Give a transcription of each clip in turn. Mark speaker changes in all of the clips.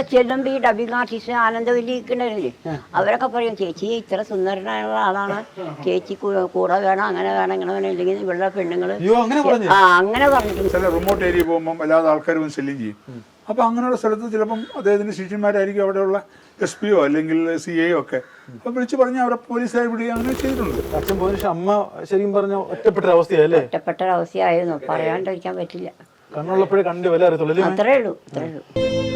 Speaker 1: അവിടെ ചെല്ലുമ്പോൾ ഈ ഡബിങ് ആർട്ടിസ്റ്റ് ആനന്ദവല്ലിക്കുണ്ടല്ലേ, അവരൊക്കെ പറയും ചേച്ചി ഇത്ര സുന്ദരനായുള്ള ആളാണ്, ചേച്ചി കൂടെ വേണം, അങ്ങനെ വേണം, ഇങ്ങനെ വേണം, ഇല്ലെങ്കിൽ ഇവരുടെ പെണ്ണുങ്ങള് അങ്ങനെ പറഞ്ഞിട്ടുണ്ട്.
Speaker 2: ചില റിമോട്ട് ഏരിയ പോകുമ്പോൾ അല്ലാതെ ആൾക്കാർ വന്ന് ശല്യം ചെയ്യും. അപ്പൊ അങ്ങനെയുള്ള സ്ഥലത്ത് ചിലപ്പം അദ്ദേഹത്തിന്റെ ശിഷ്യന്മാരായിരിക്കും അവിടെയുള്ള SP അല്ലെങ്കിൽ CA ഒക്കെ അപ്പൊ വിളിച്ചു പറഞ്ഞ് അവരെ പോലീസുകാർ വിടുകയും അങ്ങനെ ചെയ്തിട്ടുണ്ട്.
Speaker 3: അച്ഛൻ പോയ ശേഷം അമ്മ ശരിക്കും പറഞ്ഞ ഒറ്റപ്പെട്ടൊരവസ്ഥയല്ലേ?
Speaker 1: ഒറ്റപ്പെട്ടൊരവസ്ഥയായിരുന്നു, പറയാണ്ടിരിക്കാൻ പറ്റില്ല.
Speaker 3: കണ്ണുള്ളപ്പോഴേ കണ്ടു വില അറിയത്തുള്ളൂ.
Speaker 1: അത്രേ ഉള്ളൂ, അത്രേ ഉള്ളൂ.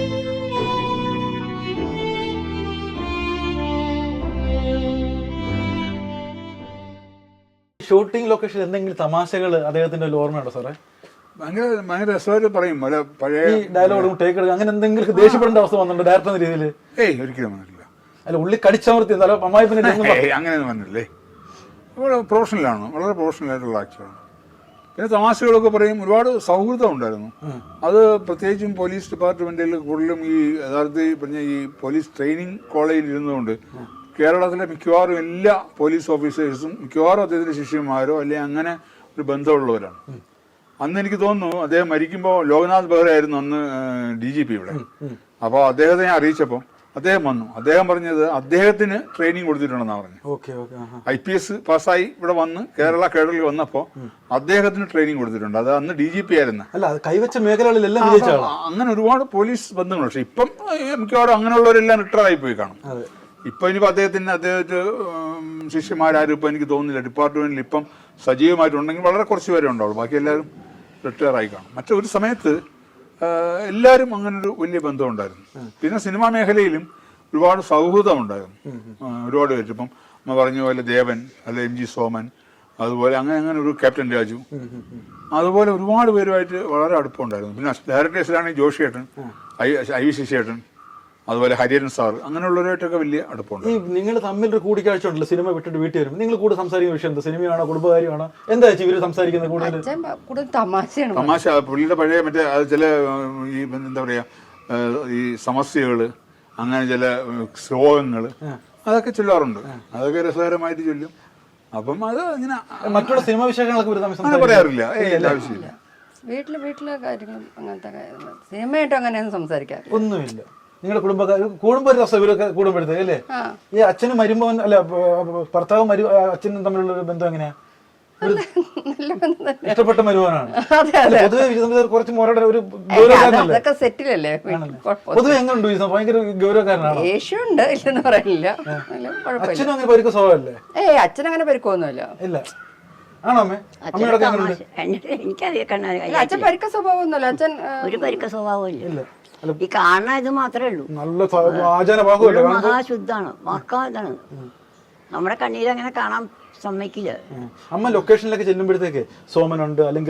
Speaker 3: ഷൂട്ടിംഗ് ലൊക്കേഷൻ എന്തെങ്കിലും തമാശകൾ അദ്ദേഹത്തിന്റെ ഓർമ്മയുണ്ടോ സാറേ?
Speaker 2: ഭയങ്കര രസമായിട്ട് പറയും. പഴയ
Speaker 3: ഡയലോഗ് ടേക്ക് എടുക്കുക, അങ്ങനെ എന്തെങ്കിലും ദേഷ്യപ്പെടേണ്ട അവസ്ഥ വന്നിട്ടുണ്ടോ ഡയറക്ടർ എന്ന രീതിയിൽ?
Speaker 2: ഒരിക്കലും വന്നിട്ടില്ല.
Speaker 3: അല്ല, ഉള്ളി കടിച്ചമർത്തി അമ്മായി പിന്നെ
Speaker 2: അങ്ങനെയൊന്നും വന്നില്ലേ. വളരെ പ്രൊഫഷണലാണ്, വളരെ പ്രൊഫഷണൽ ആയിട്ടുള്ള ആക്ടറാണ്. പിന്നെ തമാശകളൊക്കെ പറയും. ഒരുപാട് സൗഹൃദം ഉണ്ടായിരുന്നു. അത് പ്രത്യേകിച്ചും പോലീസ് ഡിപ്പാർട്ട്മെന്റിൽ കൂടുതലും ഈ യഥാർത്ഥത്തിൽ പറഞ്ഞ ഈ പോലീസ് ട്രെയിനിങ് കോളേജിൽ ഇരുന്നുകൊണ്ട് കേരളത്തിലെ മിക്കവാറും എല്ലാ പോലീസ് ഓഫീസേഴ്സും മിക്കവാറും അദ്ദേഹത്തിന്റെ ശിഷ്യന്മാരോ അല്ലെങ്കിൽ അങ്ങനെ ഒരു ബന്ധമുള്ളവരാണ്. അന്ന് എനിക്ക് തോന്നുന്നു അദ്ദേഹം മരിക്കുമ്പോൾ ലോക്നാഥ് ബെഹ്റ ആയിരുന്നു അന്ന് DGP ഇവിടെ. അപ്പോൾ അദ്ദേഹത്തെ ഞാൻ അറിയിച്ചപ്പോൾ അദ്ദേഹം വന്നു. അദ്ദേഹം പറഞ്ഞത് അദ്ദേഹത്തിന് ട്രെയിനിങ് കൊടുത്തിട്ടുണ്ടെന്നാണ് പറഞ്ഞത്. IPS പാസ്സായി ഇവിടെ വന്ന് കേരള കേഡറിൽ വന്നപ്പോൾ അദ്ദേഹത്തിന് ട്രെയിനിങ് കൊടുത്തിട്ടുണ്ട്. അത് അന്ന് DGP ആയിരുന്നു.
Speaker 3: കൈവച്ച മേഖലകളിലെല്ലാം
Speaker 2: അങ്ങനെ ഒരുപാട് പോലീസ് ബന്ധങ്ങളുണ്ട്. പക്ഷെ ഇപ്പം മിക്കവാറും അങ്ങനെയുള്ളവരെല്ലാം റിട്ടയർ ആയി പോയി കാണും. ഇപ്പൊ ഇനിയിപ്പോൾ അദ്ദേഹത്തെ ശിഷ്യന്മാരും ഇപ്പം എനിക്ക് തോന്നുന്നില്ല ഡിപ്പാർട്ട്മെന്റിൽ ഇപ്പം സജീവമായിട്ടുണ്ടെങ്കിൽ വളരെ കുറച്ച് പേരെ ഉണ്ടാവുള്ളൂ. ബാക്കി എല്ലാവരും റിട്ടയർ ആയി കാണും. മറ്റൊരു സമയത്ത് എല്ലാവരും അങ്ങനൊരു വലിയ ബന്ധം ഉണ്ടായിരുന്നു. പിന്നെ സിനിമാ മേഖലയിലും ഒരുപാട് സൗഹൃദം ഉണ്ടായിരുന്നു. ഒരുപാട് പേര് ഇപ്പം പറഞ്ഞ പോലെ ദേവൻ അല്ലെ MG സോമൻ, അതുപോലെ അങ്ങനെ ഒരു ക്യാപ്റ്റൻ രാജു, അതുപോലെ ഒരുപാട് പേരുമായിട്ട് വളരെ അടുപ്പമുണ്ടായിരുന്നു. പിന്നെ ഡയറക്ടേഴ്സിലാണെങ്കിൽ ജോഷിയേട്ടൻ, IV ശശിയേട്ടൻ, അതുപോലെ ഹരിഹരൻ സാർ, അങ്ങനെയുള്ളവരായിട്ടൊക്കെ വലിയ അടുപ്പമുണ്ട്.
Speaker 3: ഈ നിങ്ങൾ തമ്മിൽ ഒരു കൂടിക്കാഴ്ച ഉണ്ടല്ലോ സിനിമ വിട്ടിട്ട് വീട്ടിൽ വരുമ്പോൾ, നിങ്ങൾ കൂടെ സംസാരിക്കുന്ന വിഷയം എന്താ? സിനിമയാണോ കുടുംബകാര്യമാണോ? എന്താ ഇവര് സംസാരിക്കുന്നത്? കൂടുതൽ
Speaker 1: തമാശ.
Speaker 2: പുള്ളിയുടെ പഴയ മറ്റേ ചില ഈ എന്താ പറയാ ഈ സമസ്യകള്, അങ്ങനെ ചില ശ്ലോകങ്ങള് അതൊക്കെ ചൊല്ലാറുണ്ട്. അതൊക്കെ രസകരമായിട്ട് ചൊല്ലും. അപ്പം അത് ഇങ്ങനെ
Speaker 3: മറ്റുള്ള സിനിമാ വിശേഷങ്ങളൊക്കെ
Speaker 2: പറയാറില്ല. ആവശ്യമില്ല.
Speaker 4: വീട്ടിലെ കാര്യങ്ങളും അങ്ങനത്തെ സിനിമയായിട്ടും അങ്ങനെയൊന്നും സംസാരിക്കാറില്ല.
Speaker 3: ഒന്നുമില്ല. നിങ്ങളുടെ കുടുംബ രസം ഇവരൊക്കെ കൂടുമ്പോഴത്തേക്ക് അല്ലേ? ഈ അച്ഛനും മരുമോൻ അല്ല ഭർത്താവും അച്ഛനും തമ്മിലുള്ള ഒരു ബന്ധം എങ്ങനെയാ? ഇഷ്ടപ്പെട്ട മരുമോനാണ്. പൊതുവെ കുറച്ച് മോരുടെ ഒരു ഗൗരവക്കാരനല്ലേ? പൊതുവെ എങ്ങനെയുണ്ട്? ഭയങ്കര ഗൗരവക്കാരനാണ്. അച്ഛനും അങ്ങനെ പരിക്ക സ്വഭാവമല്ലേ?
Speaker 4: അച്ഛനങ്ങനെ പരിക്കൊന്നുമില്ല.
Speaker 3: ഇല്ല. ആണോ അമ്മേ? അമ്മയോടൊക്കെ
Speaker 1: എനിക്കറിയാം.
Speaker 4: അച്ഛൻ പരിക്ക സ്വഭാവമൊന്നുമല്ല. അച്ഛൻ
Speaker 1: ഒരു പരിക്ക സ്വഭാവം ഇല്ല. ഈ കാണുന്ന ഇത് മാത്രമേ ഉള്ളൂ.
Speaker 3: നല്ല
Speaker 1: മഹാശുദ്ധാണ്, ഇതാണ്. നമ്മുടെ കണ്ണീരങ്ങനെ കാണാൻ സമ്മതിക്കില്ല.
Speaker 3: അമ്മ ലൊക്കേഷനിലൊക്കെ ചെല്ലുമ്പോഴത്തേക്ക് സോമനുണ്ട് അല്ലെങ്കിൽ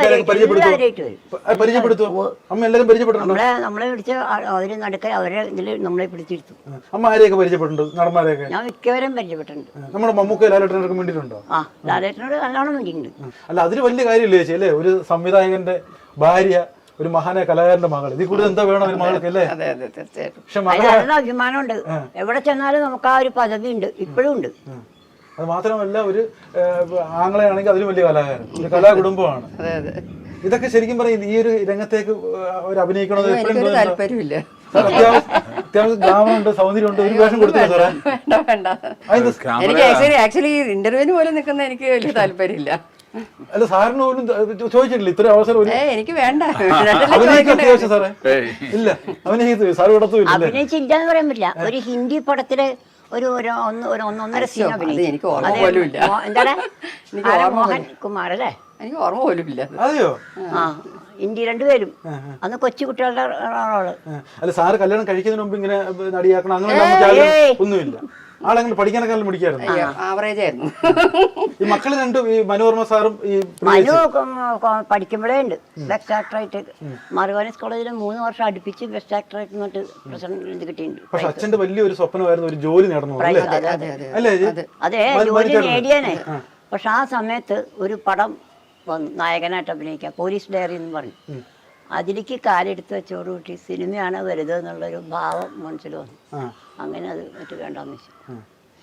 Speaker 3: പരിചയപ്പെടുത്തു. അമ്മ എല്ലാവരും പരിചയപ്പെട്ടിട്ടുണ്ടോ?
Speaker 1: നമ്മളെ പിടിച്ച് അവര് നടക്കാൻ അവരെ ഇതിൽ നമ്മളെ പിടിച്ചിരുത്തും.
Speaker 3: അമ്മ ആരെയൊക്കെ പരിചയപ്പെട്ടിട്ടുണ്ട്? നടന്മാരെയൊക്കെ
Speaker 1: ഞാൻ മിക്കവരും പരിചയപ്പെട്ടിട്ടുണ്ട്.
Speaker 3: നമ്മുടെ മമ്മൂക്ക ലാലേട്ടനൊക്കെ വേണ്ടിയിട്ടുണ്ടോ?
Speaker 1: ലാലേട്ടനോട് നല്ലോണം വേണ്ടിയിട്ടുണ്ട്.
Speaker 3: അല്ല, അതൊരു വലിയ കാര്യമില്ലേ ചേച്ചി അല്ലേ? ഒരു സംവിധായകന്റെ ഭാര്യ, ഒരു മഹാനായ കലാകാരന്റെ മകൾ, ഇതിൽ കൂടുതൽ എന്താ വേണം ഒരു മകൾക്ക് അല്ലേ?
Speaker 1: പക്ഷെ അഭിമാനമുണ്ട്. എവിടെ ചെന്നാലും നമുക്ക് ആ ഒരു പദവി ഉണ്ട്, ഇപ്പോഴും ഉണ്ട്.
Speaker 3: അത് മാത്രമല്ല, ഒരു ആംഗ്ലയാണെങ്കിൽ അതിലും വലിയ കലാകാരൻ, ഒരു കലാകുടുംബമാണ്. ഇതൊക്കെ ശരിക്കും പറയും ഈ ഒരു രംഗത്തേക്ക് ഒരു അഭിനയിക്കണത് എപ്പോഴും
Speaker 4: താല്പര്യമില്ല.
Speaker 3: അത്യാവശ്യം ഗ്രാമമുണ്ട്, സൗന്ദര്യമുണ്ട്, ഒരു വേഷം കൊടുത്തില്ല സാറേ?
Speaker 4: എനിക്ക് ആക്ച്വലി ഇന്റർവ്യൂവിന് പോലും നിൽക്കുന്ന എനിക്ക് വലിയ താല്പര്യമില്ല.
Speaker 3: അല്ല, സാറിന് പോലും ചോദിച്ചിട്ടില്ല ഇത്ര അവസരം?
Speaker 4: എനിക്ക് വേണ്ട.
Speaker 3: അഭിനയിക്കും സാറേ? ഇല്ല, അഭിനയിക്കത്തു സാർ ഇടത്തുമില്ല.
Speaker 1: അഭിനയിച്ചില്ലാന്ന് പറയാൻ പറ്റില്ല. ഒരു ഹിന്ദി പടത്തില് ഒരു ഒന്നൊന്നര സീൻ
Speaker 4: എനിക്ക് ഓർമ്മ പോലും ഇല്ല.
Speaker 1: എന്താണ് മോഹൻ കുമാർ അല്ലേ?
Speaker 4: എനിക്ക് ഓർമ്മ പോലും ഇല്ല.
Speaker 3: അതെയോ?
Speaker 1: ഇന്ത്യ രണ്ടുപേരും അന്ന് കൊച്ചു കുട്ടികളുടെ റോള്.
Speaker 3: അല്ല, സാറ് കല്യാണം കഴിക്കുന്നതിന് മുമ്പ് ഇങ്ങനെ നടിയാക്കണം അങ്ങനെ ഒന്നുമില്ല? ആളെങ്ങനെ പഠിക്കാനൊക്കെ മിടിക്കായിരുന്നു?
Speaker 4: ആവറേജ് ആയിരുന്നു.
Speaker 3: ഈ മക്കള് രണ്ടും, ഈ മനോരമ സാറും ഈ
Speaker 1: മനു പഠിക്കുമ്പോഴേ ഉണ്ട് ബെസ്റ്റ് ആക്ടറായിട്ട്. മറുവാനസ് കോളേജിൽ 3 വർഷം അടുപ്പിച്ച് ബെസ്റ്റ് ആക്ടറായിട്ട് എന്നിട്ട് പ്രസിഡന്റ് കിട്ടിയിട്ടുണ്ട്.
Speaker 3: പക്ഷെ അച്ഛന്റെ വലിയൊരു സ്വപ്നമായിരുന്നു ഒരു ജോലി നേടണം അല്ലേ?
Speaker 1: അതെ, ജോലി നേടിയാനേ. പക്ഷെ ആ സമയത്ത് ഒരു പടം വന്നു നായകനായിട്ട് അഭിനയിക്കാം, പോലീസ് ഡയറി എന്ന് പറഞ്ഞു. അതിലേക്ക് കാലെടുത്ത് വെച്ചോടുകൂട്ടി സിനിമയാണ് വലുത് എന്നുള്ളൊരു ഭാവം മനസ്സിൽ വന്നു. അങ്ങനെ അത് മറ്റു വേണ്ടാന്ന് വെച്ചു.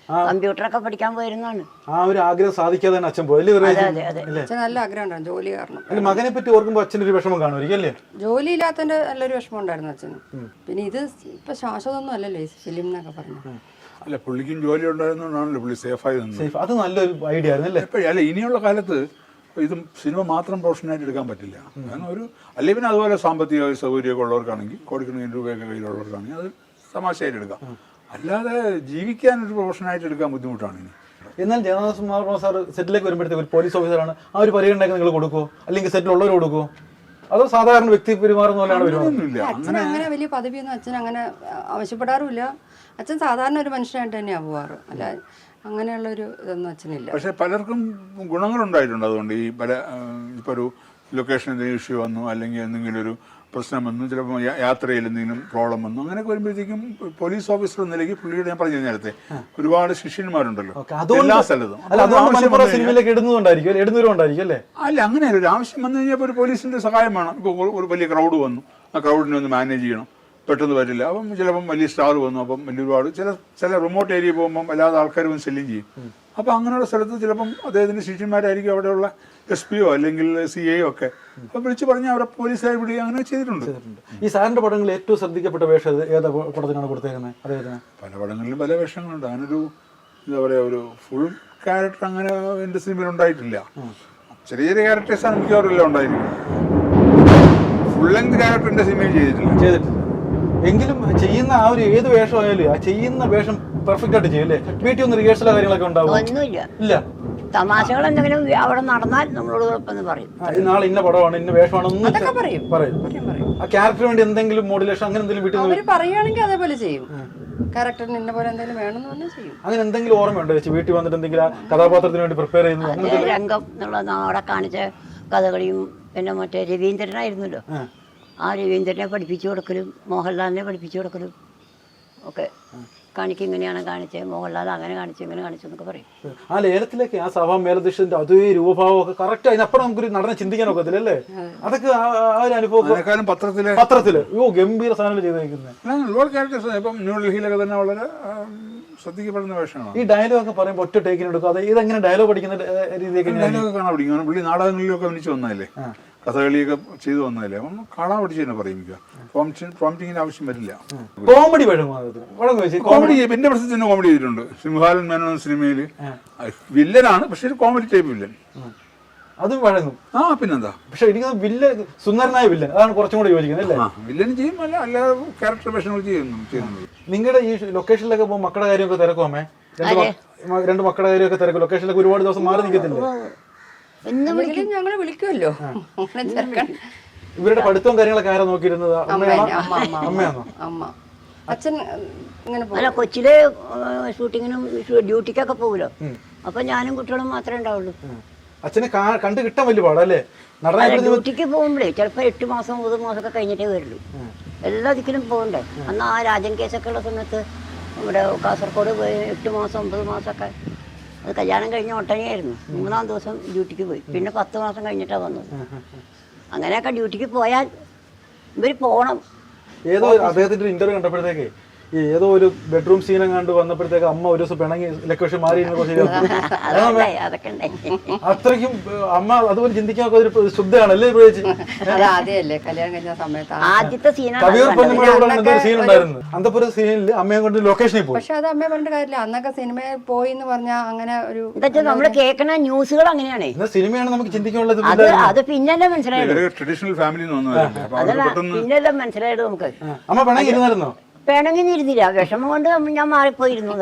Speaker 1: കമ്പ്യൂട്ടറൊക്കെ പഠിക്കാൻ പോയിരുന്നാണ്.
Speaker 3: ആ ഒരു ആഗ്രഹം സാധിക്കാതെ തന്നെ അച്ഛൻ പോയി
Speaker 1: അതെ അതെ അതെ.
Speaker 4: അച്ഛൻ നല്ല ആഗ്രഹം ഉണ്ടായിരുന്നു ജോലി കാരണം.
Speaker 3: അല്ല മകനെ പറ്റി ഓർക്കുമ്പോൾ അച്ഛനൊരു വിഷമം കാണുമായിരിക്കും അല്ലേ?
Speaker 4: ജോലി ഇല്ലാത്തതിന്റെ നല്ലൊരു വിഷമം ഉണ്ടായിരുന്നു അച്ഛന്. പിന്നെ ഇത് ഇപ്പൊ ശാശ്വതമൊന്നും അല്ലല്ലോ ഈ ഫിലിം എന്നൊക്കെ പറഞ്ഞു.
Speaker 2: അല്ല പുള്ളിക്കും ജോലി ഉണ്ടായിരുന്നതുകൊണ്ടാണല്ലോ പുള്ളി സേഫായി നിന്നത്.
Speaker 3: സേഫ്, അത് നല്ലൊരു ഐഡിയ ആയിരുന്നു അല്ലേ?
Speaker 2: അല്ല ഇനിയുള്ള കാലത്ത് ഇതും സിനിമ മാത്രം പ്രൊഫഷനായിട്ട് എടുക്കാൻ പറ്റില്ല. കാരണം ഒരു അല്ലെങ്കിൽ പിന്നെ അതുപോലെ സാമ്പത്തിക സൗകര്യമൊക്കെ ഉള്ളവർക്കാണെങ്കിൽ കോടിക്കണക്കിന് രൂപയൊക്കെ കയ്യിലുള്ളവർക്കാണെങ്കിൽ അത് തമാശയായിട്ട് എടുക്കാം. അല്ലാതെ ജീവിക്കാൻ ഒരു പ്രൊഫഷനായിട്ട് എടുക്കാൻ ബുദ്ധിമുട്ടാണ് ഇനി.
Speaker 3: എന്നാൽ ജഗന്നാഥ് മാർമ സാർ സെറ്റിലേക്ക് വരുമ്പോഴത്തേക്ക് ഒരു പോലീസ് ഓഫീസറാണ്, ആ ഒരു പരിഗണനയൊക്കെ നിങ്ങൾ കൊടുക്കുമോ അല്ലെങ്കിൽ സെറ്റിലുള്ളവർ കൊടുക്കുമോ, അതോ സാധാരണ വ്യക്തി പെരുമാറുന്ന പോലെയാണ് പെരുമാറുന്നത്?
Speaker 4: അച്ഛൻ അങ്ങനെ വലിയ പദവിയൊന്നും അച്ഛൻ അങ്ങനെ ആവശ്യപ്പെടാറുമില്ല. അച്ഛൻ സാധാരണ ഒരു മനുഷ്യനായിട്ട് തന്നെയാണ് പോവാറ്. അല്ല അങ്ങനെയുള്ളൊരു ഇതൊന്നും അച്ഛനില്ല.
Speaker 2: പക്ഷെ പലർക്കും ഗുണങ്ങളുണ്ടായിട്ടുണ്ട്. അതുകൊണ്ട് ഈ പല ഇപ്പോൾ ഒരു ലൊക്കേഷൻ എന്തെങ്കിലും ഇഷ്യൂ വന്നു അല്ലെങ്കിൽ എന്തെങ്കിലും ഒരു പ്രശ്നം വന്നു, ചിലപ്പോൾ യാത്രയിൽ എന്തെങ്കിലും പ്രോബ്ലം വന്നു, അങ്ങനെയൊക്കെ വരുമ്പോഴത്തേക്കും പോലീസ് ഓഫീസർ എന്ന നിലയ്ക്ക് പുള്ളിയുടെ ഞാൻ പറഞ്ഞു നേരത്തെ ഒരുപാട് ശിഷ്യന്മാരുണ്ടല്ലോ എല്ലാ സ്ഥലത്തും.
Speaker 3: സിനിമയിലേക്ക് ഇടുന്നവരുണ്ടായിരിക്കും അല്ലേ?
Speaker 2: അല്ല അങ്ങനെയല്ല, ഒരു ആവശ്യം വന്നു കഴിഞ്ഞാൽ ഒരു പോലീസിന്റെ സഹായം വേണം. ഇപ്പോൾ ഒരു വലിയ ക്രൗഡ് വന്നു, ആ ക്രൗഡിനെ ഒന്ന് മാനേജ് ചെയ്യണം, പെട്ടെന്ന് പറ്റില്ല. അപ്പം ചിലപ്പം വലിയ സ്റ്റാർ വന്നു, അപ്പം വലിയ ഒരുപാട് ചില റിമോട്ട് ഏരിയ പോകുമ്പം അല്ലാതെ ആൾക്കാർ വന്ന് ശല്യം ചെയ്യും. അപ്പം അങ്ങനെയുള്ള സ്ഥലത്ത് ചിലപ്പം അദ്ദേഹത്തിൻ്റെ ശിഷ്യന്മാരായിരിക്കും അവിടെയുള്ള SP അല്ലെങ്കിൽ CA ഒക്കെ അപ്പം വിളിച്ച് പറഞ്ഞ് അവരെ പോലീസുകാർ വിടുക അങ്ങനെ ചെയ്തിട്ടുണ്ട്.
Speaker 3: ഈ സാറിന്റെ പടങ്ങളിൽ ഏറ്റവും ശ്രദ്ധിക്കപ്പെട്ട വേഷം ഏതാ പടത്തിനാണ് കൊടുത്തേക്കുന്നത് അദ്ദേഹത്തിന്?
Speaker 2: പല പടങ്ങളിലും പല വേഷങ്ങളുണ്ട്. അങ്ങനൊരു എന്താ പറയുക ഒരു ഫുൾ ക്യാരക്ടർ അങ്ങനെ എൻ്റെ സിനിമയിൽ ഉണ്ടായിട്ടില്ല. ചെറിയ ചെറിയ ക്യാരക്ടേഴ്സാണ് മിക്കവാറും ഉണ്ടായിരിക്കുന്നത്. ഫുൾ ലെങ്ത് ക്യാരക്ടർ എൻ്റെ സിനിമയിൽ ചെയ്തിട്ടില്ല.
Speaker 3: എങ്കിലും ചെയ്യുന്ന ആ ഒരു ഏത് വേഷമായാലും ആ ചെയ്യുന്ന വേഷം പെർഫെക്റ്റ് ആയിട്ട് ചെയ്യും അല്ലേ? വീട്ടിൽ ഒന്ന് റിഹേഴ്സലോ കാര്യങ്ങളൊക്കെ ഉണ്ടാവും?
Speaker 1: ഒന്നുമില്ല.
Speaker 3: ഇല്ല.
Speaker 1: തമാശകൾ എന്തെങ്കിലും അവിടെ നടന്നാൽ നമ്മളോട് കുഴപ്പമെന്ന് പറയും.
Speaker 3: നാളെ ഇന്ന പടമാണ് ഇന്ന വേഷമാണെന്ന്
Speaker 4: പറയും.
Speaker 3: ആ ക്യാരക്ടറിന് വേണ്ടി എന്തെങ്കിലും മോഡുലേഷൻ അങ്ങനെ എന്തെങ്കിലും വീട്ടിൽ
Speaker 4: അവര് പറയുകയാണെങ്കിൽ അതേപോലെ ചെയ്യും. ക്യാരക്ടറിന് ഇന്ന പോലെ എന്തെങ്കിലും വേണമെന്ന് പറഞ്ഞാൽ ചെയ്യും.
Speaker 3: അങ്ങനെ എന്തെങ്കിലും ഓർമ്മയുണ്ടോ ചേച്ചി? വീട്ടിൽ വന്നിട്ട് എന്തെങ്കിലും ആ കഥാപാത്രത്തിന് വേണ്ടി പ്രിപ്പയർ ചെയ്യുന്നത്?
Speaker 1: രംഗം എന്നുള്ള അവിടെ കാണിച്ച കഥകളിയും പിന്നെ മറ്റേ രവീന്ദ്രനായിരുന്നല്ലോ, ആ രവീന്ദ്രനെ പഠിപ്പിച്ചു കൊടുക്കലും മോഹൻലാലിനെ പഠിപ്പിച്ചു കൊടുക്കലും ഒക്കെ കാണിക്കും. ഇങ്ങനെയാണ് കാണിച്ചത്, മോഹൻലാൽ അങ്ങനെ കാണിച്ചു ഇങ്ങനെ കാണിച്ചു എന്നൊക്കെ പറയും.
Speaker 3: ആ ലേലത്തിലേക്ക് ആ സഭാ മേലധ്യക്ഷന്റെ അതേ രൂപഭാവമൊക്കെ കറക്റ്റ് അതിനപ്പുറം നമുക്കൊരു നടനെ ചിന്തിക്കാൻ ഒക്കത്തില്ല അല്ലേ? അതൊക്കെ ആ ഒരു അനുഭവം പത്രത്തില് ഗംഭീര സാധനം ചെയ്തേക്കുന്നത്
Speaker 2: ഒരുപാട് ക്യാരക്ടേഴ്സ്. ഇപ്പം ന്യൂഡൽഹിയിലൊക്കെ തന്നെ വളരെ ശ്രദ്ധിക്കപ്പെടുന്ന വേഷമാണ്.
Speaker 3: ഈ ഡയലോഗ് ഒക്കെ പറയുമ്പോൾ ഒറ്റ ടേക്കിന് എടുക്കും. അത് ഇതെങ്ങനെ ഡയലോഗ് പഠിക്കുന്ന രീതിയൊക്കെ
Speaker 2: ഡയലോഗ് കാണാൻ പഠിക്കും. പുള്ളി നാടകങ്ങളിലൊക്കെ അഭിനയിച്ച് വന്നതല്ലേ, കഥകളിയൊക്കെ ചെയ്തു വന്നതല്ലേ, അപ്പം കാണാൻ പഠിച്ചു തന്നെ പറയിക്കുക. പ്രോംപ്റ്റിങ്ങിന് ആവശ്യം വരില്ല.
Speaker 3: കോമഡി
Speaker 2: കോമഡി എന്റെ പ്രശ്നത്തിന് കോമഡി ചെയ്തിട്ടുണ്ട്. സിംഹാലൻ മേനോൻ എന്ന സിനിമയിൽ വില്ലനാണ്, പക്ഷെ ഒരു കോമഡി ടൈപ്പ് വില്ലൻ.
Speaker 3: അതും വഴങ്ങും.
Speaker 2: പിന്നെന്താ.
Speaker 3: പക്ഷെ എനിക്ക് വില്ലൻ സുന്ദരനായ വില്ലൻ അതാണ് കുറച്ചും കൂടെ യോജിക്കുന്നത് അല്ലേ?
Speaker 2: വില്ലൻ ചെയ്യും, അല്ലാതെ ക്യാരക്ടർ വേഷങ്ങൾ ചെയ്യുന്നുണ്ട്.
Speaker 3: നിങ്ങളുടെ ഈ ലൊക്കേഷനിലൊക്കെ പോകുമ്പോൾ മക്കളുടെ കാര്യമൊക്കെ തിരക്കുമേ? രണ്ട് മക്കളുടെ കാര്യമൊക്കെ തിരക്കും. ലൊക്കേഷനിലൊക്കെ ഒരുപാട് ദിവസം മാറി നിൽക്കത്തില്ലേ?
Speaker 4: ഞങ്ങള് വിളിക്കുമല്ലോ.
Speaker 3: ഇവരുടെ പഠിത്തവും കാര്യങ്ങളൊക്കെ ആരാ നോക്കിയിരുന്നത്? അമ്മയാണോ?
Speaker 4: അമ്മ. അച്ഛൻ ഇങ്ങനെ
Speaker 1: അല്ല, കൊച്ചിലെ ഷൂട്ടിങ്ങിനും ഡ്യൂട്ടിക്കൊക്കെ പോകുമല്ലോ, അപ്പൊ ഞാനും കുട്ടികളും മാത്രമേ ഉണ്ടാവുള്ളൂ.
Speaker 3: അച്ഛനെ കണ്ടു കിട്ടാൻ വലിയ പാടല്ലേ?
Speaker 1: ഡ്യൂട്ടിക്ക് പോകുമ്പോഴേ ചിലപ്പോൾ 8 മാസം 9 മാസമൊക്കെ കഴിഞ്ഞിട്ടേ വരുള്ളൂ. എല്ലാ ദിക്കിലും പോകണ്ടേ. അന്ന് ആ രാജൻ കേസൊക്കെ ഉള്ള സമയത്ത് ഇവിടെ കാസർഗോഡ് പോയി 8 മാസം 9 മാസമൊക്കെ. അത് കല്യാണം കഴിഞ്ഞ ഒട്ടനെയായിരുന്നു. 3-ാം ദിവസം ഡ്യൂട്ടിക്ക് പോയി, പിന്നെ 10 മാസം കഴിഞ്ഞിട്ടാണ് വന്നത്. അങ്ങനെയൊക്കെ ഡ്യൂട്ടിക്ക് പോയാൽ ഇവർ പോകണം.
Speaker 3: ഏതോ അദ്ദേഹത്തിന്റെ ഇന്റർവ്യൂ കണ്ടപ്പോഴത്തേക്ക് ഏതോ ഒരു ബെഡ്റൂം സീനം കണ്ട് വന്നപ്പോഴത്തേക്ക് അമ്മ ഒരു ദിവസം പിണങ്ങി ലൊക്കേഷൻ മാറി. അത്രയ്ക്കും അമ്മ അതുപോലെ ചിന്തിക്കാൻ ഒരു ശുദ്ധമാണല്ലേ?
Speaker 1: ആദ്യത്തെ സീൻ
Speaker 3: ഉണ്ടായിരുന്നു അന്തപുര സീനിൽ അമ്മയെ കൊണ്ട് ലൊക്കേഷനിൽ പോയി.
Speaker 4: പക്ഷെ അത് അമ്മയെ പറഞ്ഞിട്ട് കാര്യമില്ല. അന്നൊക്കെ സിനിമയിൽ പോയി എന്ന് പറഞ്ഞാൽ അങ്ങനെ ഒരു
Speaker 1: നമ്മള് കേൾക്കുന്ന ന്യൂസുകൾ അങ്ങനെയാണ്.
Speaker 3: സിനിമയാണ് നമുക്ക് ചിന്തിക്കാനുള്ളത്.
Speaker 1: അത് പിന്നല്ലേ മനസ്സിലായത്.
Speaker 2: ട്രഡീഷണൽ ഫാമിലി
Speaker 1: പിന്നല്ലേ മനസ്സിലായത് നമുക്ക്.
Speaker 3: അമ്മ പിണങ്ങിയിരുന്നായിരുന്നോ?
Speaker 1: പിണങ്ങിയിരുന്നില്ല, വിഷമം കൊണ്ട് ഞാൻ മാറിപ്പോയിരുന്നു.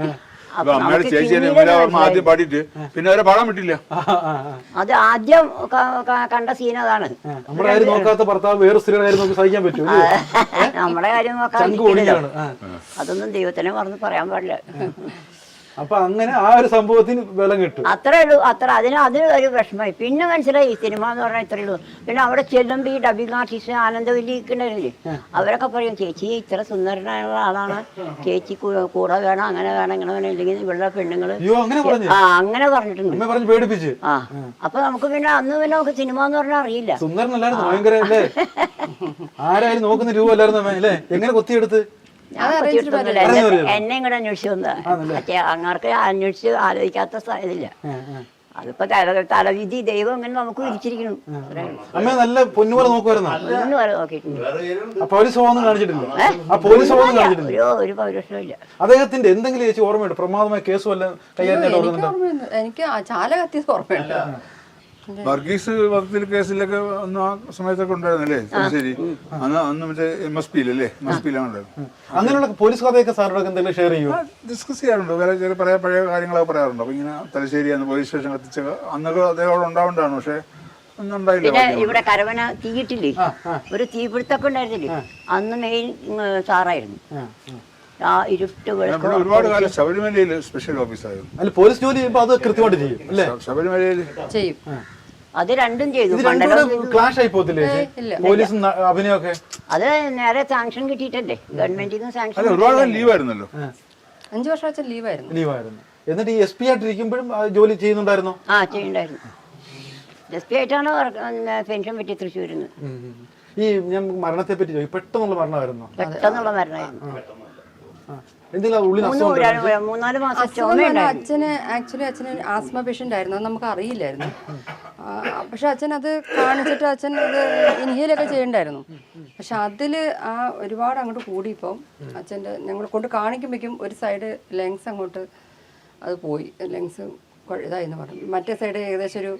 Speaker 1: അത് ആദ്യം കണ്ട സീൻ അതാണ്.
Speaker 3: നമ്മുടെ കാര്യം നോക്കാത്ത ഭർത്താവ് വേറെ സ്ത്രീയുടെ കാര്യം നോക്കി സഹിക്കാൻ പറ്റും.
Speaker 1: നമ്മുടെ കാര്യം നോക്കാൻ അതൊന്നും ദൈവത്തിനെ പറഞ്ഞ് പറയാൻ പാടില്ല.
Speaker 3: അപ്പൊ അങ്ങനെ ആ ഒരു സംഭവത്തിന് ബലം കിട്ടും.
Speaker 1: അത്രേ ഉള്ളൂ. അതിന് ഒരു വിഷമമായി. പിന്നെ മനസ്സിലായി സിനിമ എന്ന് പറഞ്ഞാൽ ഇത്രേ ഉള്ളൂ. പിന്നെ അവിടെ ചെല്ലുമ്പോൾ ഈ ഡബിങ് ആർട്ടിസ്റ്റ് ആനന്ദവല്ലിക്കുണ്ടായിരുന്നില്ലേ, അവരൊക്കെ പറയും ചേച്ചി ഇത്ര സുന്ദരനായുള്ള ആളാണ്, ചേച്ചി കൂടെ വേണം, അങ്ങനെ വേണം, ഇങ്ങനെ വേണം, ഇല്ലെങ്കിൽ ഇവിടെ പെണ്ണുങ്ങള് അങ്ങനെ പറഞ്ഞിട്ടുണ്ട്.
Speaker 3: പേടിപ്പിച്ച്.
Speaker 1: അപ്പൊ നമുക്ക് പിന്നെ അന്ന് പിന്നെ നമുക്ക് സിനിമ എന്ന് പറഞ്ഞാൽ അറിയില്ല.
Speaker 3: സുന്ദരനല്ലായിരുന്നു, ഭയങ്കര ആരായാലും നോക്കുന്ന രൂപ അല്ലായിരുന്നു അല്ലേ? എങ്ങനെ കൊത്തിയെടുത്ത്
Speaker 1: ഞാൻ കൊച്ചിയിട്ടൊന്നുമില്ല. എന്നെ ഇങ്ങോട്ട് അന്വേഷിച്ചു വന്നതാ. മറ്റേ അങ്ങാർക്ക് അന്വേഷിച്ച് ആലോചിക്കാത്ത ഇതില്ല. അതിപ്പോ തലവിധി ദൈവം ഇങ്ങനെ നമുക്ക് വിരിച്ചിരിക്കണം.
Speaker 3: അമ്മ നല്ല പൊന്നുപോലെ നോക്കുമായിരുന്നോ?
Speaker 1: ഒന്നും വരെ നോക്കിയിട്ടുണ്ട്.
Speaker 3: പോലീസ് ഒന്നും കാണിച്ചിട്ടില്ല. ആ പോലീസ് ഒന്നും കാണിച്ചിട്ടില്ല.
Speaker 1: ഒരു പൗരുഷവും ഇല്ല.
Speaker 3: അദ്ദേഹത്തിന്റെ എന്തെങ്കിലും ചേച്ചി ഓർമ്മയുണ്ട്? പ്രമാദമായ കേസ് വല്ല കൈകാര്യം?
Speaker 4: എനിക്ക് ചാല കത്തിയത് ഓർമ്മയുണ്ട്.
Speaker 2: വർഗീസ് വധത്തിൽ കേസിലൊക്കെ അന്ന് ആ സമയത്തൊക്കെ ഉണ്ടായിരുന്നല്ലേ ശരി? അന്ന് മറ്റേ MSP യിലല്ലേ? MSP യിലാണുണ്ടായിരുന്നു.
Speaker 3: അങ്ങനെയുള്ള പോലീസ് കഥയൊക്കെ സാറിനൊക്കെ എന്തെങ്കിലും ഷെയർ ചെയ്യും?
Speaker 2: ഡിസ്കസ് ചെയ്യാറുണ്ട്. വേറെ ചില പഴയ കാര്യങ്ങളൊക്കെ പറയാറുണ്ട്. അപ്പൊ ഇങ്ങനെ തലശ്ശേരി അന്ന് പോലീസ് സ്റ്റേഷൻ കത്തിച്ച അന്നൊക്കെ അദ്ദേഹം അവിടെ ഉണ്ടാവേണ്ടതാണ്. പക്ഷെ ഒന്നും ഉണ്ടായില്ല.
Speaker 1: പിന്നെ ഇവിടെ കരവന തീയിട്ടില്ലേ, ഒരു തീപിടുത്തൊക്കെ ഉണ്ടായിരുന്നില്ലേ, അന്ന് മെയിൻ സാറായിരുന്നു. ആ ഇരുട്ട്
Speaker 2: ഒരുപാട് കാലം ശബരിമലയിൽ സ്പെഷ്യൽ ഓഫീസായിരുന്നു.
Speaker 3: അല്ല പോലീസ് ജോലി ചെയ്യുമ്പോൾ അത് കൃത്യമായിട്ട് ചെയ്യും അല്ലേ?
Speaker 2: ശബരിമലയിൽ
Speaker 4: ചെയ്യും.
Speaker 1: അത് രണ്ടും ചെയ്തു.
Speaker 3: ക്ലാഷ് ആയി പോകത്തില്ലേ പോലീസും അഭിനയൊക്കെ?
Speaker 1: അത് നേരെ സാങ്ഷൻ കിട്ടിയിട്ടല്ലേ, ഗവൺമെന്റിൽ നിന്ന് സാങ്ഷൻ.
Speaker 2: ഒരുപാട് ലീവായിരുന്നല്ലോ.
Speaker 4: 5 വർഷം അച്ഛൻ ലീവായിരുന്നു.
Speaker 3: എന്നിട്ട് ഈ SP ആയിട്ടിരിക്കുമ്പോഴും ജോലി ചെയ്യുന്നുണ്ടായിരുന്നോ?
Speaker 1: ആ ചെയ്യുന്നുണ്ടായിരുന്നു. SP ആയിട്ടാണ് പെൻഷൻ പറ്റി തൃശ്ശൂരിൽ നിന്ന്.
Speaker 3: ഈ ഞാൻ മരണത്തെ പറ്റി ചോദിക്കും. പെട്ടെന്നുള്ള മരണമായിരുന്നോ?
Speaker 1: പെട്ടെന്നുള്ള മരണമായിരുന്നു.
Speaker 3: എന്തെങ്കിലും
Speaker 1: 3-4 മാസം
Speaker 4: അച്ഛന് ആസ്മ പേഷ്യന്റ് ആയിരുന്നു. അത് നമുക്ക് അറിയില്ലായിരുന്നു. പക്ഷെ അച്ഛൻ അത് കാണിച്ചിട്ട് അച്ഛൻ അത് ഇൻഹേലൊക്കെ ചെയ്യണ്ടായിരുന്നു. പക്ഷെ അതില് ഒരുപാട് അങ്ങോട്ട് കൂടിയപ്പം അച്ഛൻ്റെ ഞങ്ങൾ കൊണ്ട് കാണിക്കുമ്പോഴേക്കും ഒരു സൈഡ് ലെങ്സ് അങ്ങോട്ട് അത് പോയി. ലെങ്സ് ഇതായിന്ന് പറഞ്ഞു. മറ്റേ സൈഡ് ഏകദേശം ഒരു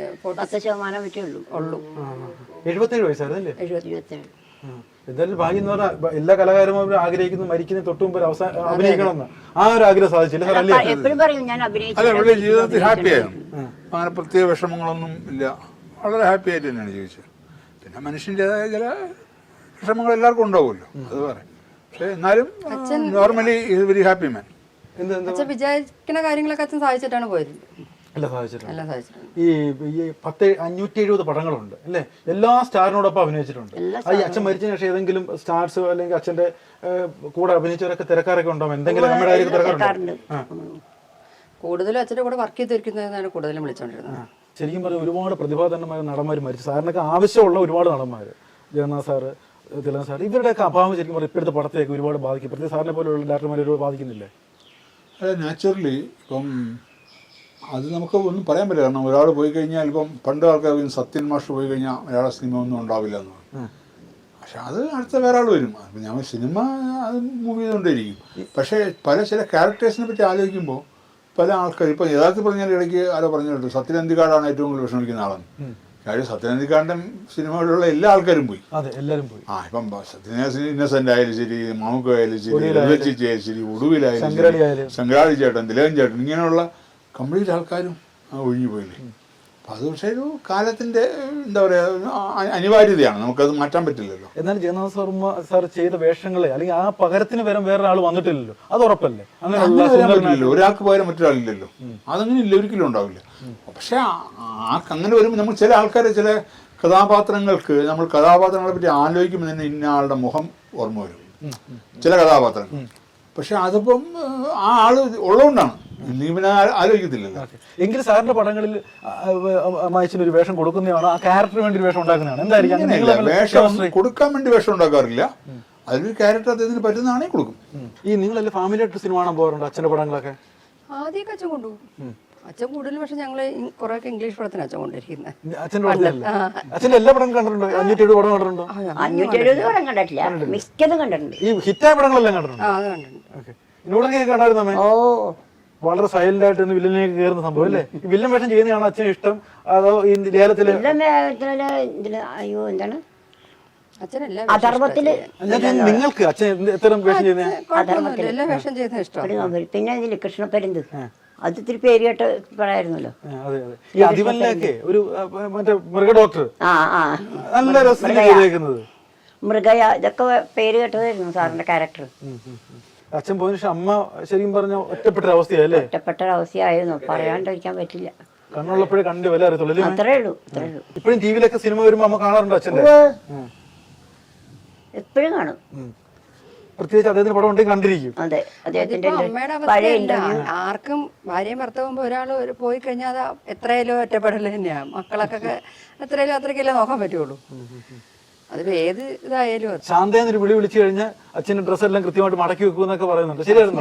Speaker 1: 10% ഉള്ളൂ.
Speaker 3: 77 വയസ്സായിരുന്നല്ലേ?
Speaker 1: 77.
Speaker 3: എന്തായാലും ഭാഗ്യം എന്ന് പറഞ്ഞാൽ എല്ലാ കലാകാരന്മാരും ആഗ്രഹിക്കുന്നു മരിക്കുന്ന തൊട്ട് മുമ്പ് അവസാനം അഭിനയിക്കണമെന്ന്. ആ ഒരു ആഗ്രഹം സാധിച്ചില്ല.
Speaker 1: എപ്പോഴും പറയും ഞാൻ
Speaker 2: അല്ല ജീവിതത്തിൽ ഹാപ്പി ആയിരുന്നു. അങ്ങനെ പ്രത്യേക വിഷമങ്ങളൊന്നും ഇല്ല. വളരെ ഹാപ്പി ആയിട്ട് തന്നെയാണ് ജീവിച്ചത്. പിന്നെ മനുഷ്യൻ്റെതായ ചില വിഷമങ്ങൾ എല്ലാവർക്കും ഉണ്ടാവുമല്ലോ, അത് പറയാം. പക്ഷെ എന്നാലും normally is very happy man.
Speaker 4: അച്ഛൻ വിചാരിക്കുന്ന കാര്യങ്ങളൊക്കെ അച്ഛൻ സാധിച്ചിട്ടാണ് പോയത്.
Speaker 3: എല്ലാം സാധിച്ചിട്ടുണ്ട്. ഈ 570 പടങ്ങളുണ്ട് അല്ലേ? എല്ലാ സ്റ്റാറിനോടൊപ്പം അഭിനയിച്ചിട്ടുണ്ട്. ഈ അച്ഛൻ മരിച്ചതിന് ശേഷം ഏതെങ്കിലും സ്റ്റാർസ് അല്ലെങ്കിൽ അച്ഛന്റെ കൂടെ അഭിനയിച്ചവരൊക്കെ തിരക്കാരൊക്കെ ഉണ്ടാവും? എന്തെങ്കിലും നമ്മുടെ തിരക്കാറുണ്ട്?
Speaker 4: കൂടുതലും അച്ഛന്റെ കൂടെ വർക്ക് ചെയ്തിരിക്കുന്നതാണ് കൂടുതലും വിളിച്ചോണ്ടിരുന്നത്.
Speaker 3: ശരിക്കും പറഞ്ഞാൽ ഒരുപാട് പ്രതിഭാധനമായ നടന്മാർ മരിച്ചു. സാറിനൊക്കെ ആവശ്യമുള്ള ഒരുപാട് നടന്മാർ, ജഗന്നാഥ് സാറ്, തിലകൻ സാർ, ഇവരുടെയൊക്കെ അഭാവം ശരിക്കും പറഞ്ഞാൽ ഇപ്പോഴത്തെ പടത്തേക്ക് ഒരുപാട് ബാധിക്കും. പ്രത്യേക സാറിനെ പോലെയുള്ള ഡയറക്ടർമാർ ഒരുപാട് ബാധിക്കുന്നില്ലേ?
Speaker 2: അതെ, നാച്ചുറലി. ഇപ്പം അത് നമുക്ക് ഒന്നും പറയാൻ പറ്റില്ല. കാരണം ഒരാൾ പോയി കഴിഞ്ഞാൽ ഇപ്പം പണ്ട് ആൾക്കാർ സത്യൻ മാഷ് പോയി കഴിഞ്ഞാൽ മലയാള സിനിമ ഒന്നും ഉണ്ടാവില്ല എന്ന് പറയും. പക്ഷെ അത് അടുത്ത വേറെ ആൾ വരും. അപ്പം ഞാൻ സിനിമ അത് മൂവ് ചെയ്തുകൊണ്ടേയിരിക്കും. പക്ഷേ ചില ക്യാരക്ടേഴ്സിനെ പറ്റി ആലോചിക്കുമ്പോൾ പല ആൾക്കാർ ഇപ്പം യഥാർത്ഥത്തിൽ പറഞ്ഞാൽ ഇടയ്ക്ക് ആരോ പറഞ്ഞിട്ടുണ്ട് സത്യനന്ദിക്കാടാണ് ഏറ്റവും കൂടുതൽ വിഷമിക്കുന്ന ആളെന്ന്. കാര്യം സത്യനന്ദിക്കാടിൻ്റെ സിനിമകളിലുള്ള എല്ലാ ആൾക്കാരും പോയി.
Speaker 3: എല്ലാവരും പോയി.
Speaker 2: ഇപ്പം ഇന്നസെന്റ് ആയാലും ശരി, മാമുക്ക ആയാലും ശരി, ലളിതചേച്ചി ആയാലും ശരി, ഒടുവിലായാലും ശങ്കരാടി ചേട്ടൻ, തിലകൻ ചേട്ടൻ, ഇങ്ങനെയുള്ള കംപ്ലീറ്റ് ആൾക്കാരും ഒഴിഞ്ഞു പോയില്ലേ. അപ്പം അത് പക്ഷേ ഒരു കാലത്തിൻ്റെ എന്താ പറയുക അനിവാര്യതയാണ്, നമുക്കത് മാറ്റാൻ പറ്റില്ലല്ലോ.
Speaker 3: എന്നാൽ ജഗന്നാഥ് സാർ ചെയ്ത വേഷങ്ങളെ അല്ലെങ്കിൽ ആ പകരത്തിന് വേറെ ആൾ വന്നിട്ടില്ലല്ലോ, അത് ഉറപ്പല്ലേ?
Speaker 2: അങ്ങനെ ഒരാൾക്ക് പകരം മറ്റൊരാളില്ലല്ലോ, അതങ്ങനെ ഇല്ല, ഒരിക്കലും ഉണ്ടാവില്ല. പക്ഷെ അങ്ങനെ വരുമ്പോൾ നമ്മൾ ചില ആൾക്കാരെ ചില കഥാപാത്രങ്ങൾക്ക് നമ്മൾ കഥാപാത്രങ്ങളെ പറ്റി ആലോചിക്കുമ്പോൾ തന്നെ ഇന്ന ആളുടെ മുഖം ഓർമ്മ വരും ചില കഥാപാത്രങ്ങൾ. പക്ഷെ അതിപ്പം ആ ആള് ഉള്ളതുകൊണ്ടാണ്, ഇങ്ങനെ ആലോചിക്കത്തില്ലല്ലോ.
Speaker 3: എങ്കിലും സാറിന്റെ പടങ്ങളിൽ അമ്മായിച്ചൊരു വേഷം കൊടുക്കുന്നതാണ്, ആ ക്യാരക്ടറിന് വേണ്ടി ഒരു വേഷം ഉണ്ടാക്കുന്നതാണ്. എന്തായിരിക്കും
Speaker 2: വേഷം കൊടുക്കാൻ വേണ്ടി വേഷം ഉണ്ടാക്കാറില്ല, അതിലൊരു ക്യാരക്ടർ അദ്ദേഹത്തിന് പറ്റുന്നതാണെങ്കിൽ കൊടുക്കും.
Speaker 3: ഈ നിങ്ങളെല്ലാം ഫാമിലി ആയിട്ട് സിനിമ കാണാൻ പോകാറുണ്ട് അച്ഛൻ്റെ പടങ്ങളൊക്കെ?
Speaker 4: ആദ്യമൊക്കെ അച്ഛൻ കൊണ്ടുപോകും. അച്ഛൻ കൂടുതലും പക്ഷെ ഞങ്ങൾ കുറെയൊക്കെ ഇംഗ്ലീഷ് പടത്തിന് അച്ഛൻ കൊണ്ടിരിക്കുന്നത്.
Speaker 3: അച്ഛൻ്റെ അച്ഛൻ്റെ എല്ലാ പടം കണ്ടിട്ടുണ്ടോ? 570 പടം കണ്ടിട്ടുണ്ടോ?
Speaker 1: 570 പടം കണ്ടിട്ടില്ല, മിക്കതും കണ്ടിട്ടുണ്ട്.
Speaker 3: ഈ ഹിറ്റായ പടങ്ങളെല്ലാം കണ്ടിട്ടുണ്ടോ? ഇതിനോടൊക്കെ കണ്ടായിരുന്നു. ഓ, വളരെ സൈലന്റ് ആയിട്ട് വില്ലനിലേക്ക് കയറുന്ന സംഭവം അല്ലേ? ഈ വില്ലൻ വേഷം ചെയ്യുന്നതാണ് അച്ഛന് ഇഷ്ടം അതോ ഈ ലേലത്തില്?
Speaker 1: അയ്യോ എന്താണ്
Speaker 4: അധർമ്മത്തില്
Speaker 3: നിങ്ങൾക്ക് അച്ഛൻ എത്ര വേഷം ചെയ്യുന്ന?
Speaker 4: എല്ലാ വേഷം ചെയ്യുന്ന ഇഷ്ടം.
Speaker 1: പിന്നെ ഇതില് കൃഷ്ണപ്പരുന്ത്, അത് ഇത്തിരി പേര് കേട്ട് പറയായിരുന്നല്ലോ.
Speaker 3: ഈ അതിവല്ലൊക്കെ ഒരു മറ്റേ മൃഗ ഡോക്ടർ നല്ല രസം,
Speaker 1: മൃഗയ, ഇതൊക്കെ പേര് കേട്ടതായിരുന്നു സാറിന്റെ ക്യാരക്ടർ.
Speaker 3: അച്ഛൻ പോയതിനു ശേഷം അമ്മ ശരിക്കും പറഞ്ഞ ഒറ്റപ്പെട്ടൊരവസ്ഥയല്ലേ?
Speaker 1: ഒറ്റപ്പെട്ടൊരവസ്ഥയായിരുന്നു, പറയാണ്ടിരിക്കാൻ പറ്റില്ല.
Speaker 3: കണ്ണുള്ളപ്പോഴേ കണ്ടു വില അറിയത്തുള്ളൂ.
Speaker 1: അത്രേ ഉള്ളൂ.
Speaker 3: ഇപ്പോഴും ടിവിയിലൊക്കെ സിനിമ വരുമ്പോ അമ്മ കാണാറുണ്ടോ അച്ഛൻ്റെ?
Speaker 1: എപ്പോഴും കാണും.
Speaker 3: പ്രത്യേകിച്ച് അദ്ദേഹത്തിന് പടം ഉണ്ടെങ്കിൽ കണ്ടിരിക്കും.
Speaker 1: അതെ, അദ്ദേഹത്തിന്റെ
Speaker 4: ആർക്കും ഭാര്യയും ഭർത്താവുമ്പോ ഒരാൾ പോയി കഴിഞ്ഞാൽ അത് എത്രയായാലും ഒറ്റപ്പെടൽ തന്നെയാണ്. മക്കളൊക്കെ എത്രയായാലും അത്രയ്ക്കല്ലേ നോക്കാൻ പറ്റുള്ളൂ. അതിപ്പോ ഏത് ഇതായാലും അത്.
Speaker 3: ശാന്തേന്നൊരു വിളി വിളിച്ചു കഴിഞ്ഞാൽ അച്ഛൻ്റെ ഡ്രസ്സെല്ലാം കൃത്യമായിട്ട് മടക്കി വെക്കുമെന്നൊക്കെ പറയുന്നുണ്ട്, ശരിയായിരുന്നു?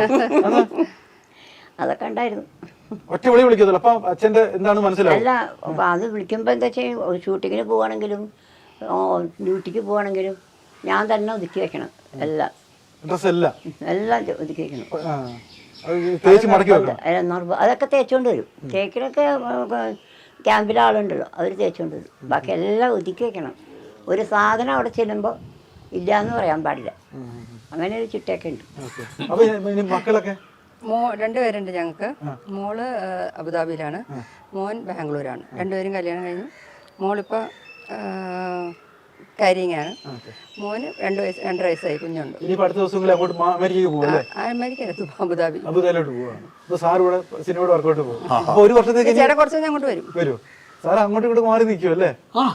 Speaker 1: അതൊക്കെ ഉണ്ടായിരുന്നു.
Speaker 3: ഒറ്റ വിളി വിളിക്കത്തില്ല. അപ്പം അച്ഛൻ്റെ എന്താണ് മനസ്സിലാവും?
Speaker 1: അല്ല, അപ്പം അത് വിളിക്കുമ്പോൾ എന്താ വെച്ചാൽ ഷൂട്ടിങ്ങിന് പോവാണെങ്കിലും ഡ്യൂട്ടിക്ക് പോവാണെങ്കിലും ഞാൻ തന്നെ ഒതുക്കി വെക്കണം. എല്ലാം
Speaker 3: ഡ്രസ്സെല്ലാം
Speaker 1: എല്ലാം ഒതുക്കി വെക്കണം.
Speaker 3: തേച്ച് മടക്കി വെക്കണം.
Speaker 1: അതൊക്കെ തേച്ചുകൊണ്ട് വരും. തേക്കിലൊക്കെ ക്യാമ്പിലെ ആളുണ്ടല്ലോ, അവർ തേച്ചുകൊണ്ട് വരും. ബാക്കി എല്ലാം ഒതുക്കി വെക്കണം. ഒരു സാധനം അവിടെ ചെല്ലുമ്പോൾ ഇല്ല എന്ന് പറയാൻ പാടില്ല. അങ്ങനെ ഒരു ചിട്ടയൊക്കെ ഉണ്ട്.
Speaker 3: അപ്പൊ ഇനി മക്കളൊക്കെ?
Speaker 4: രണ്ടുപേരുണ്ട് ഞങ്ങൾക്ക്. മോള് അബുദാബിയിലാണ്, മോൻ ബാംഗ്ലൂരാണ്. രണ്ടുപേരും കല്യാണം കഴിഞ്ഞു. മോളിപ്പോൾ കാരിങ്ങാണ്. മോന് 2 വയസ്സായി, കുഞ്ഞുണ്ട്.
Speaker 3: ഇനി അടുത്ത ദിവസങ്ങളിൽ അങ്ങോട്ട് അമേരിക്കയ്ക്ക് പോകും.
Speaker 4: അമേരിക്കയിലെത്തും, അബുദാബിയിലോട്ട്
Speaker 3: പോവാണ്. അപ്പൊ സാർ ഇവിടെ സിനിമയുടെ വർക്കൗട്ട് പോകും. അപ്പൊ ഒരു വർഷത്തേക്ക്
Speaker 4: ചേട്ടാ കുറച്ച് കഴിഞ്ഞ് അങ്ങോട്ട് വരും.
Speaker 3: സാർ അങ്ങോട്ടും ഇങ്ങോട്ട് മാറി നിൽക്കും അല്ലേ?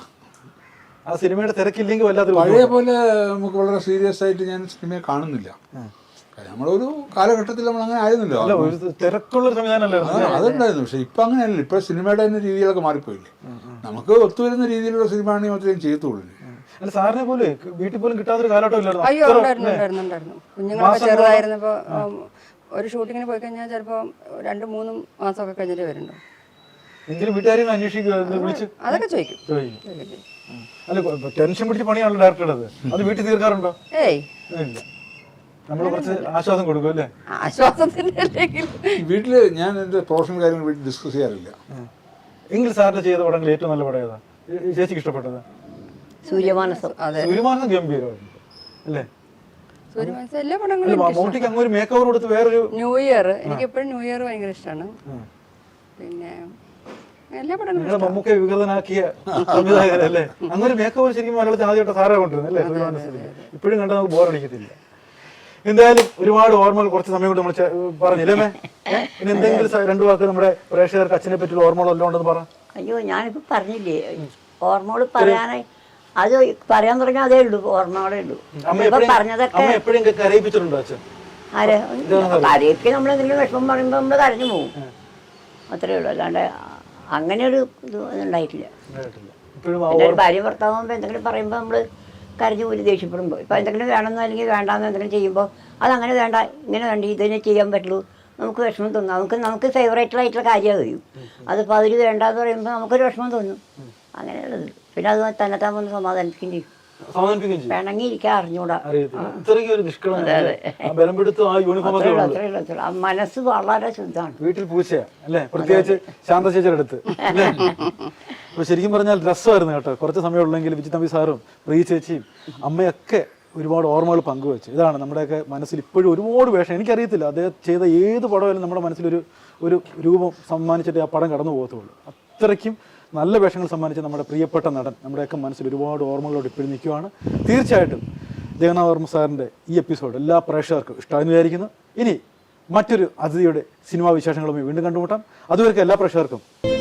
Speaker 3: ആ സിനിമയുടെ തിരക്കില്ലെങ്കിൽ വല്ലാത്ത
Speaker 2: പഴയ പോലെ നമുക്ക് വളരെ സീരിയസ് ആയിട്ട് ഞാൻ സിനിമയെ കാണുന്നില്ല. നമ്മളൊരു കാലഘട്ടത്തിൽ നമ്മൾ അങ്ങനെ ആയിരുന്നല്ലോ,
Speaker 3: തിരക്കുള്ള സംവിധാനമല്ലേ
Speaker 2: അതുണ്ടായിരുന്നു. പക്ഷെ ഇപ്പൊ അങ്ങനെയല്ല. ഇപ്പൊ സിനിമയുടെ തന്നെ രീതികളൊക്കെ മാറിപ്പോയില്ലേ. നമുക്ക് ഒത്തുവരുന്ന രീതിയിലുള്ള സിനിമ ആണെങ്കിൽ മാത്രമേ ചെയ്യത്തുള്ളൂ.
Speaker 3: അല്ല, സാറിനെ പോലെ വീട്ടിൽ പോലും കിട്ടാത്തൊരു കാലഘട്ടം ഇല്ലായിരുന്നു.
Speaker 4: അയ്യോ, ഉണ്ടായിരുന്നു. കുഞ്ഞുങ്ങളൊക്കെ ചെറുതായിരുന്നപ്പോ ഒരു ഷൂട്ടിങ്ങിന് പോയി കഴിഞ്ഞാൽ ചിലപ്പോ 2-3 മാസമൊക്കെ കഴിഞ്ഞിട്ട് വരുന്നുണ്ടോ.
Speaker 3: എങ്കിലും വീട്ടുകാരെയും അന്വേഷിക്കുക, വിളിച്ച്
Speaker 4: അതൊക്കെ ചോദിക്കും.
Speaker 3: അല്ല, ടെൻഷൻ പിടിച്ച പണിയാണല്ലോ ഡയറക്ടറുടെ. അത് വീട്ടിൽ തീർക്കാറുണ്ടോ?
Speaker 4: ഏയ്
Speaker 3: ഇല്ല. നമ്മൾ കുറച്ച് ആശ്വാസം കൊടുക്കും അല്ലേ?
Speaker 4: ആശ്വാസത്തിന്റെ
Speaker 2: വീട്ടില് ഞാൻ എന്റെ പ്രൊഫഷണൽ കാര്യങ്ങൾ വീട്ടിൽ ഡിസ്കസ് ചെയ്യാറില്ല.
Speaker 3: എങ്കിൽ സാറിന് ചെയ്ത പടങ്ങൾ ഏറ്റവും നല്ല പടം ഏതാ? ചേച്ചിക്ക് ഇഷ്ടപ്പെട്ടത്?
Speaker 1: സൂര്യമാനസം.
Speaker 3: സൂര്യമാനസം ഗംഭീരമായിരുന്നു അല്ലേ?
Speaker 4: സൂര്യമാനസം എല്ലാ പടങ്ങളും.
Speaker 3: മമ്മൂട്ടിക്ക് അങ്ങ് ഒരു മേക്ക് ഓവർ കൊടുത്ത് വേറൊരു
Speaker 4: ന്യൂ ഇയർ, എനിക്ക് എപ്പോഴും ന്യൂ ഇയർ ഭയങ്കര ഇഷ്ടമാണ്. പിന്നെ എല്ലാ പടങ്ങളും
Speaker 3: മമ്മൂക്കെ വികൃതനാക്കിയ സംവിധായകരല്ലേ? അങ്ങനെ മേക്ക് ഓവർ ശരിക്കും മലയാളത്തിൽ ആദ്യമായിട്ട് സാറേ കൊണ്ടിരുന്നു അല്ലേ? സൂര്യമാനസത്തിൽ ഇപ്പോഴും കണ്ടാൽ നമുക്ക് ബോറടിക്കത്തില്ല. എന്തായാലും ഒരുപാട് ഓർമ്മകൾ കുറച്ച് സമയം കൊണ്ട് നമ്മൾ പറഞ്ഞില്ലേ? ഇനി എന്തെങ്കിലും 2 വാക്ക് നമ്മുടെ പ്രേക്ഷകർക്ക് അച്ഛനെ പറ്റിയുള്ള ഓർമ്മകൾ എല്ലാം ഉണ്ടെന്ന് പറ.
Speaker 1: അയ്യോ, ഞാനിപ്പോൾ പറഞ്ഞില്ലേ ഓർമ്മകൾ പറയാനായി. അത് പറയാൻ തുടങ്ങിയാൽ അതേ ഉള്ളൂ, ഓർമ്മകളേ ഉള്ളൂ. പറഞ്ഞതൊക്കെ
Speaker 3: എപ്പോഴും കരയിപ്പിച്ചിട്ടുണ്ടോ അച്ഛൻ?
Speaker 1: ആരെ കരയിപ്പിക്കാൻ നമ്മളെന്തെങ്കിലും വിഷമം പറയുമ്പോൾ നമ്മൾ കരഞ്ഞു പോകും, അത്രേ ഉള്ളൂ. അല്ലാണ്ട് അങ്ങനെ ഒരു ഇത് ഉണ്ടായിട്ടില്ല. ഭാര്യ ഭർത്താവുമ്പോൾ എന്തെങ്കിലും പറയുമ്പോൾ നമ്മൾ കരഞ്ഞു പോലും ദേഷ്യപ്പെടുമ്പോൾ. ഇപ്പോൾ എന്തെങ്കിലും വേണമെന്നോ അല്ലെങ്കിൽ വേണ്ടാന്നോ എന്തെങ്കിലും ചെയ്യുമ്പോൾ അതങ്ങനെ വേണ്ട, ഇങ്ങനെ വേണ്ട, ഇതിനെ ചെയ്യാൻ പറ്റുള്ളൂ, നമുക്ക് വിഷമം തോന്നും. നമുക്ക് ഫേവറേറ്റിലായിട്ടുള്ള കാര്യമാണ് കഴിയും. അതിപ്പോൾ അതിൽ വേണ്ടാന്ന് പറയുമ്പോൾ നമുക്കൊരു വിഷമം തോന്നും. അങ്ങനെയുള്ളത്. പിന്നെ അത് തന്നെത്താൻ വന്ന് സമാധാനിക്കുകയും ചെയ്യും. വേണമെങ്കിൽ ഇരിക്കാൻ അറിഞ്ഞൂടാ. മനസ്സ് വളരെ ശുദ്ധമാണ്.
Speaker 3: വീട്ടിൽ പൂച്ചയാ അല്ലേ? പ്രത്യേകിച്ച് ശാന്തശേച്ചിയുടെ അടുത്ത്. അപ്പൊ ശരിക്കും പറഞ്ഞാൽ രസമായിരുന്നു കേട്ടോ. കുറച്ച് സമയമുള്ളെങ്കിൽ വിജി തമ്പി സാറും പ്രിയ ചേച്ചിയും അമ്മയൊക്കെ ഒരുപാട് ഓർമ്മകൾ പങ്കുവെച്ചു. ഇതാണ് നമ്മുടെയൊക്കെ മനസ്സിൽ ഇപ്പോഴും ഒരുപാട് വേഷം. എനിക്കറിയത്തില്ല അദ്ദേഹം ചെയ്ത ഏത് പടമായാലും നമ്മുടെ മനസ്സിലൊരു രൂപം സമ്മാനിച്ചിട്ട് ആ പടം കടന്നു പോകത്തുള്ളൂ. അത്രയ്ക്കും നല്ല വേഷങ്ങൾ സമ്മാനിച്ച നമ്മുടെ പ്രിയപ്പെട്ട നടൻ നമ്മുടെയൊക്കെ മനസ്സിൽ ഒരുപാട് ഓർമ്മകളോട് ഇപ്പോഴും നിൽക്കുകയാണ്. തീർച്ചയായിട്ടും ജഗന്നാഥവർമ്മ സാറിൻ്റെ ഈ എപ്പിസോഡ് എല്ലാ പ്രേക്ഷകർക്കും ഇഷ്ടമായെന്ന് വിചാരിക്കുന്നു. ഇനി മറ്റൊരു അതിഥിയുടെ സിനിമാ വിശേഷങ്ങളുമായി വീണ്ടും കണ്ടുമുട്ടാം. അതുവരെ എല്ലാ പ്രേക്ഷകർക്കും